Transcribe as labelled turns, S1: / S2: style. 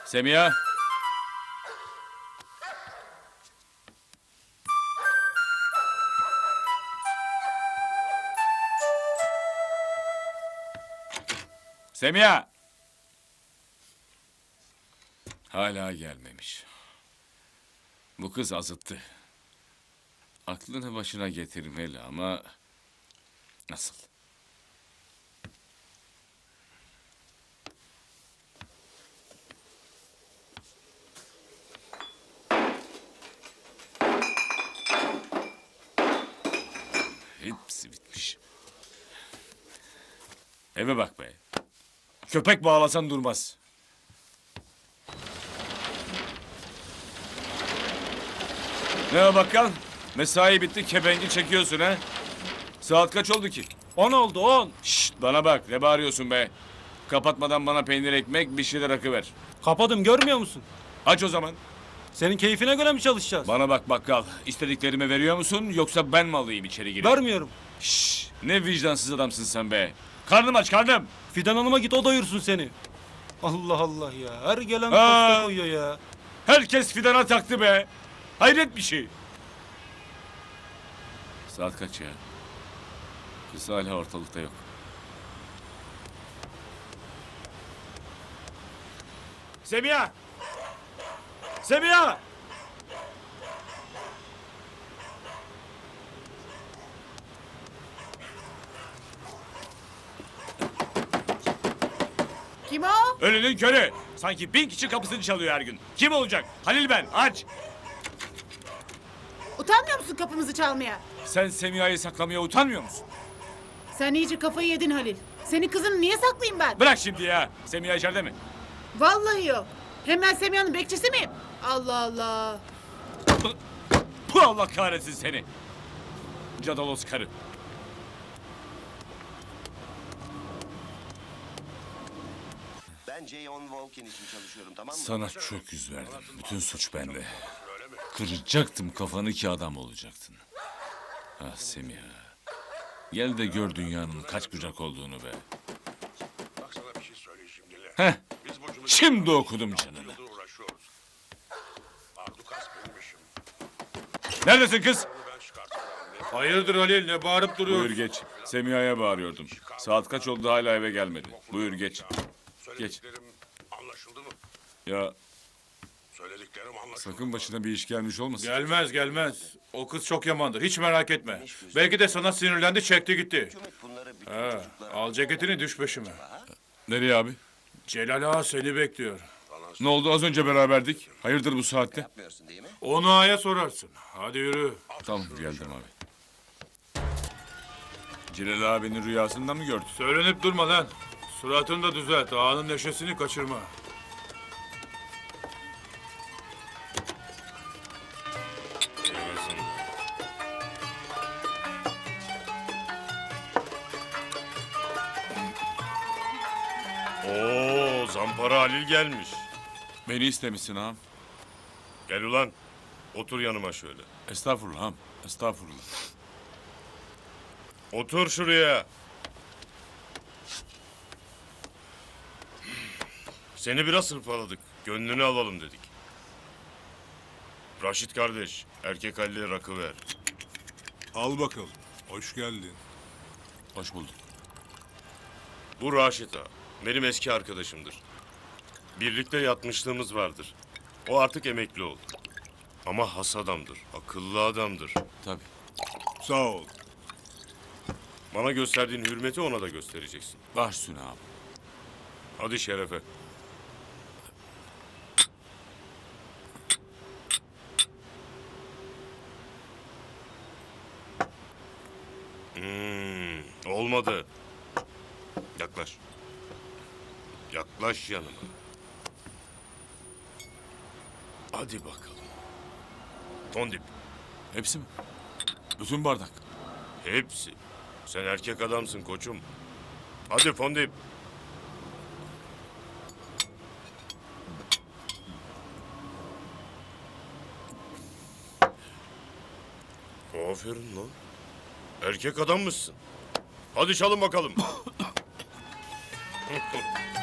S1: Semiha. Semiha. Hala gelmemiş. Bu kız azıttı. Aklını başına getirmeli ama nasıl? Hepsi bitmiş. Eve bak be. Köpek bağlasan durmaz. Ne o bakkal? Mesai bitti, kebengi çekiyorsun ha? Saat kaç oldu ki?
S2: 10 oldu 10.
S1: Şşt, bana bak, ne bağırıyorsun be? Kapatmadan bana peynir ekmek, bir şeyler akıver.
S2: Kapadım görmüyor musun?
S1: Aç o zaman.
S2: Senin keyfine göre mi çalışacağız?
S1: Bana bak bakkal, istediklerimi veriyor musun yoksa ben mi alayım içeri girip?
S2: Vermiyorum.
S1: Şşş, ne vicdansız adamsın sen be. Karnım aç, karnım.
S2: Fidan Hanım'a git o doyursun seni. Allah Allah ya. Her gelen
S1: Aa!
S2: posta koyuyor ya.
S1: Herkes fidana taktı be. Hayret bir şey. Saat kaç ya? Kız hala ortalıkta yok. Semiha! Semiha!
S3: Kim o?
S1: Ölünün körü. Sanki 1000 kişi kapısını çalıyor her gün. Kim olacak? Halil ben. Aç.
S3: Utanmıyor musun kapımızı çalmaya?
S1: Sen Semiha'yı saklamaya utanmıyor musun?
S3: Sen iyice kafayı yedin Halil. Senin kızını niye saklayayım ben?
S1: Bırak şimdi ya. Semiha içeride mi?
S3: Vallahi yok. Hem ben Semiha'nın bekçisi miyim? Allah Allah.
S1: Bu Allah kahretsin seni. Cadalos karı.
S4: Ben J.On. Volkin için çalışıyorum, tamam mı?
S1: Sana çok yüz verdim. Bütün suç bende. Kıracaktım kafanı ki adam olacaktın. Ah Semiha. Gel de gör dünyanın kaç bucak olduğunu be.
S5: Bak sana bir şey söyleyeyim şimdi.
S1: Heh.
S5: Biz bu
S1: Şimdi okudum canını.
S5: uğraşıyoruz. Ardukas benim işim.
S1: Neredesin kız?
S5: Ben çıkartacağım.
S2: Hayırdır Halil ne bağırıp
S1: Buyur geç. Semiha'ya bağırıyordum. Saat kaç oldu hala eve gelmedi. Buyur geç.
S5: Söylediklerim anlaşıldı mı?
S1: Ya
S5: Söylediklerim anlaşıldı.
S1: sakın başına bir iş gelmiş olmasın.
S6: Gelmez gelmez. O kız çok yamandır. Hiç merak etme. Belki de sana sinirlendi çekti gitti.
S4: Hükümet bunları bütün
S6: Ha,
S4: çocuklara...
S6: al ceketini düş peşime.
S1: Nereye abi?
S6: Celal Ağa seni bekliyor.
S1: Ne oldu az önce beraberdik. Hayırdır bu saatte?
S4: Yapmıyorsun değil mi?
S6: Onu Ağa'ya sorarsın. Hadi yürü.
S1: Tamam geldim abi. Celal abinin rüyasında mı gördün?
S6: Söylenip durma lan. Suratını da düzelt. Ağanın neşesini kaçırma.
S7: Oo, Zampara Halil gelmiş.
S1: Beni istemişsin ağam.
S7: Gel ulan. Otur yanıma şöyle.
S1: Estağfurullah ağam. Estağfurullah.
S7: Otur şuraya. Seni biraz hırpaladık. Gönlünü alalım dedik. Raşit kardeş, erkek Halil'e rakı ver.
S8: Al bakalım. Hoş geldin.
S1: Hoş bulduk.
S7: Bu Raşit ağa. Benim eski arkadaşımdır. Birlikte yatmışlığımız vardır. O artık emekli oldu. Ama has adamdır, akıllı adamdır.
S1: Tabii.
S8: Sağ ol.
S7: Bana gösterdiğin hürmeti ona da göstereceksin.
S1: Baş üstüne ağam.
S7: Hadi şerefe. Olmadı. Yaklaş. Yaklaş yanıma. Hadi bakalım. Tondip.
S1: Hepsi mi? Bütün bardak.
S7: Hepsi. Sen erkek adamsın koçum. Hadi Fondip. Aferin lan. Erkek adammışsın. Hadi çalın bakalım.